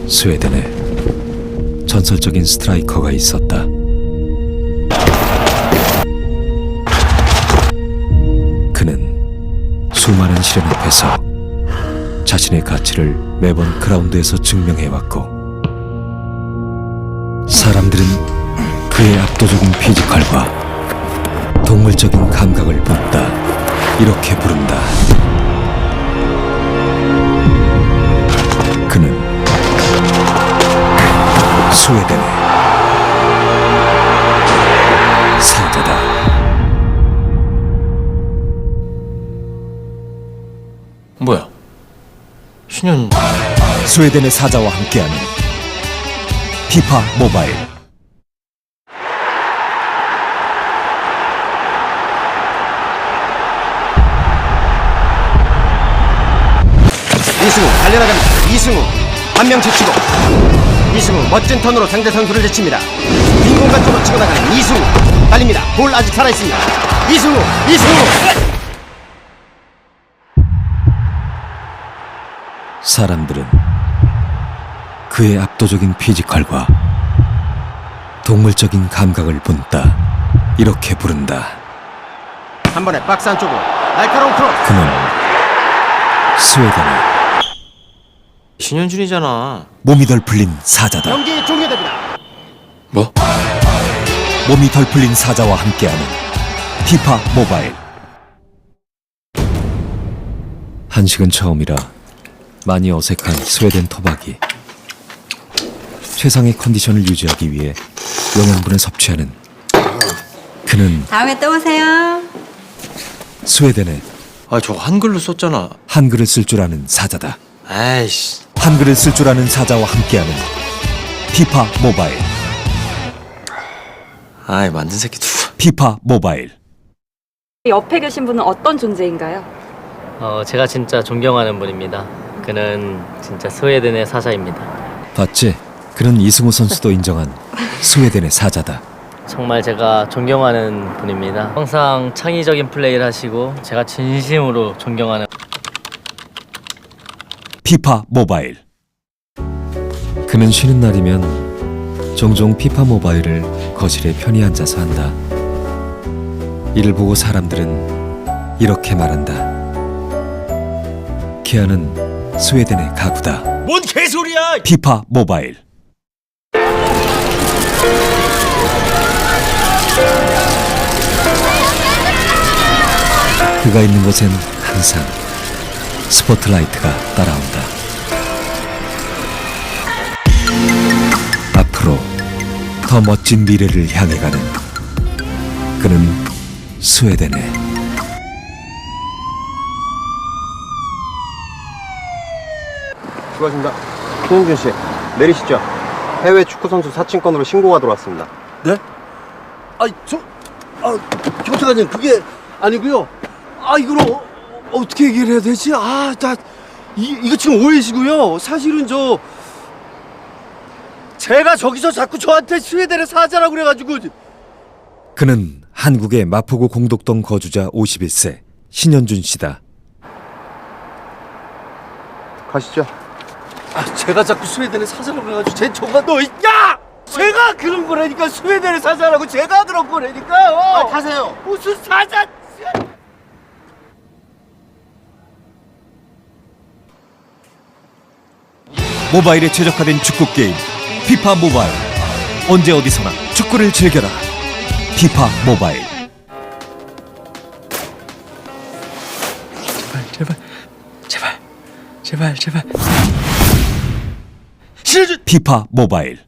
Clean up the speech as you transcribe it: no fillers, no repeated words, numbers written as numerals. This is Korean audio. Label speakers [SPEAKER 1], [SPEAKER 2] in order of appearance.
[SPEAKER 1] 스웨덴에 전설적인 스트라이커가 있었다. 그는 수많은 시련 앞에서 자신의 가치를 매번 그라운드에서 증명해왔고, 사람들은 그의 압도적인 피지컬과 동물적인 감각을 본다. 이렇게 부른다. 그는 스웨덴의 사자다.
[SPEAKER 2] 뭐야? 신현...
[SPEAKER 1] 스웨덴의 사자와 함께하는 피파 모바일.
[SPEAKER 3] 이승우 달려나갑니다. 이승우 한 명 제치고, 이승우 멋진 턴으로 상대 선수를 제칩니다. 빈 공간 쪽으로 치고 나가는 이승우 달립니다. 볼 아직 살아있습니다. 이승우
[SPEAKER 1] 사람들은 그의 압도적인 피지컬과 동물적인 감각을 본다. 이렇게 부른다.
[SPEAKER 3] 한 번에 박스 안쪽으로 날카로운 크로스.
[SPEAKER 1] 그는 스웨덴의
[SPEAKER 2] 신현준이잖아.
[SPEAKER 1] 몸이 덜 풀린 사자다.
[SPEAKER 3] 경기 종료됩니다.
[SPEAKER 2] 뭐?
[SPEAKER 1] 몸이 덜 풀린 사자와 함께하는 피파 모바일. 한식은 처음이라 많이 어색한 스웨덴 토박이. 최상의 컨디션을 유지하기 위해 영양분을 섭취하는 그는
[SPEAKER 4] 다음에 또 오세요.
[SPEAKER 1] 스웨덴의
[SPEAKER 2] 아, 저거 한글로 썼잖아.
[SPEAKER 1] 한글을 쓸 줄 아는 사자다.
[SPEAKER 2] 아이씨.
[SPEAKER 1] 한글을 쓸 줄 아는 사자와 함께하는 피파 모바일.
[SPEAKER 2] 아이, 만든 새끼 누구?
[SPEAKER 1] 피파 모바일.
[SPEAKER 5] 옆에 계신 분은 어떤 존재인가요?
[SPEAKER 6] 제가 진짜 존경하는 분입니다. 그는 진짜 스웨덴의 사자입니다.
[SPEAKER 1] 봤지? 그는 이승우 선수도 인정한 스웨덴의 사자다.
[SPEAKER 6] 정말 제가 존경하는 분입니다. 항상 창의적인 플레이를 하시고 제가 진심으로 존경하는
[SPEAKER 1] 피파 모바일. 그는 쉬는 날이면 종종 피파 모바일을 거실에 편히 앉아서 한다. 이를 보고 사람들은 이렇게 말한다. 키아는 스웨덴의 가구다.
[SPEAKER 2] 뭔 개소리야!
[SPEAKER 1] 피파 모바일. 그가 있는 곳엔 항상 스포트라이트가 따라온다. 앞으로 더 멋진 미래를 향해 가는 그는 스웨덴의
[SPEAKER 3] 수고하십니다. 신현준 씨 내리시죠. 해외 축구 선수 사칭권으로 신고가 들어왔습니다.
[SPEAKER 7] 네? 경찰관님 그게 아니고요. 이걸 어떻게 얘기를 해야 되지? 이거 지금 오해시고요. 사실은 제가 저기서 자꾸 저한테 스웨덴의 사자라고 그래가지고.
[SPEAKER 1] 그는 한국의 마포구 공덕동 거주자 51세 신현준 씨다.
[SPEAKER 3] 가시죠.
[SPEAKER 7] 제가 자꾸 스웨덴의 사자라고 그래가지고 제가 그런 거라니까. 스웨덴의 사자라고 제가 그런 거라니까요.
[SPEAKER 3] 타세요.
[SPEAKER 7] 무슨 사자?
[SPEAKER 1] 모바일에 최적화된 축구 게임 피파 모바일. 언제 어디서나 축구를 즐겨라. 피파 모바일.
[SPEAKER 2] 제발.
[SPEAKER 1] 피파 모바일.